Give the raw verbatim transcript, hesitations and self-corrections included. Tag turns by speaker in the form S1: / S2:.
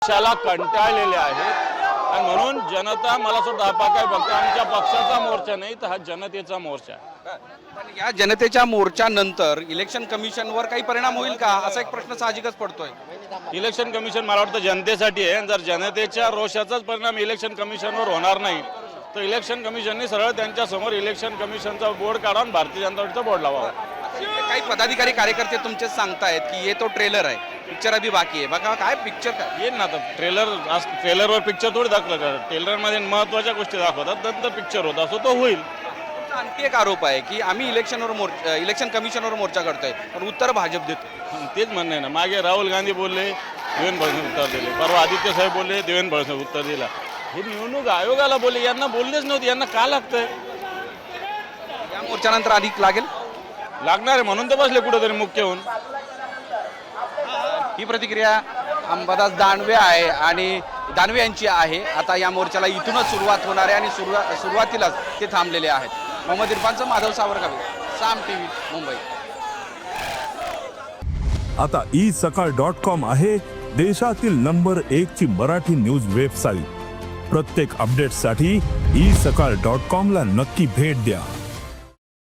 S1: पक्षाला कंटाळलेले आहेत आणि म्हणून जनता मला वाटतं हा काय फक्त आमच्या पक्षाचा मोर्चा नाही तर हा जनतेचा मोर्चा आहे.
S2: पण या जनतेच्या मोर्चानंतर इलेक्शन कमिशनवर काही परिणाम होईल का असा एक प्रश्न साहजिकच पडतोय.
S1: इलेक्शन कमिशन मला वाटतं जनतेसाठी आहे. जर जनतेच्या रोषाचाच परिणाम इलेक्शन कमिशनवर होणार नाही तर इलेक्शन कमिशनने सरळ त्यांच्या समोर इलेक्शन कमिशनचा बोर्ड काढून भारतीय जनता पार्टीचा बोर्ड लावावा.
S2: काही पदाधिकारी कार्यकर्ते तुमचे सांगतायत की ये तो ट्रेलर आहे, पिक्चर अभी बाकी आहे. बघा काय पिक्चर काय
S1: येईल ना आता ट्रेलर ट्रेलरवर पिक्चर थोडी दाखवलं. ट्रेलरमध्ये महत्त्वाच्या गोष्टी दाखवतात नंतर पिक्चर होत असो तो होईल.
S2: आणखी एक आरोप आहे की आम्ही इलेक्शनवर मोर्चा इलेक्शन कमिशनवर मोर्चा करतोय पण उत्तर भाजप देतो.
S1: तेच म्हणणं आहे ना. मागे राहुल गांधी बोलले देवेंद्र फडणवीस उत्तर दिले, परवा आदित्य साहेब बोलले देवेंद्र फडणवीस उत्तर दिला. हे निवडणूक आयोगाला बोलले, यांना बोललेच नव्हते. यांना का लागतंय?
S2: या मोर्चानंतर अधिक लागेल
S1: लागणार आहे म्हणून तर बसले कुठेतरी मुख्य होऊन.
S2: ही प्रतिक्रिया अंबादास दानवे आहे आणि दानवे यांची आहे. आता या मोर्चाला इथूनच सुरुवात होणार आहे आणि सुरुवात सुरुवातीलाच ते थांबलेले आहेत. मोहम्मद इरफानचं माधव सावरगावे, साम टीव्ही, मुंबई.
S3: आता ई सकाळ डॉट कॉम आहे देशातील नंबर एक ची मराठी न्यूज वेबसाईट. प्रत्येक अपडेटसाठी ई सकाळ डॉट कॉम ला नक्की भेट द्या.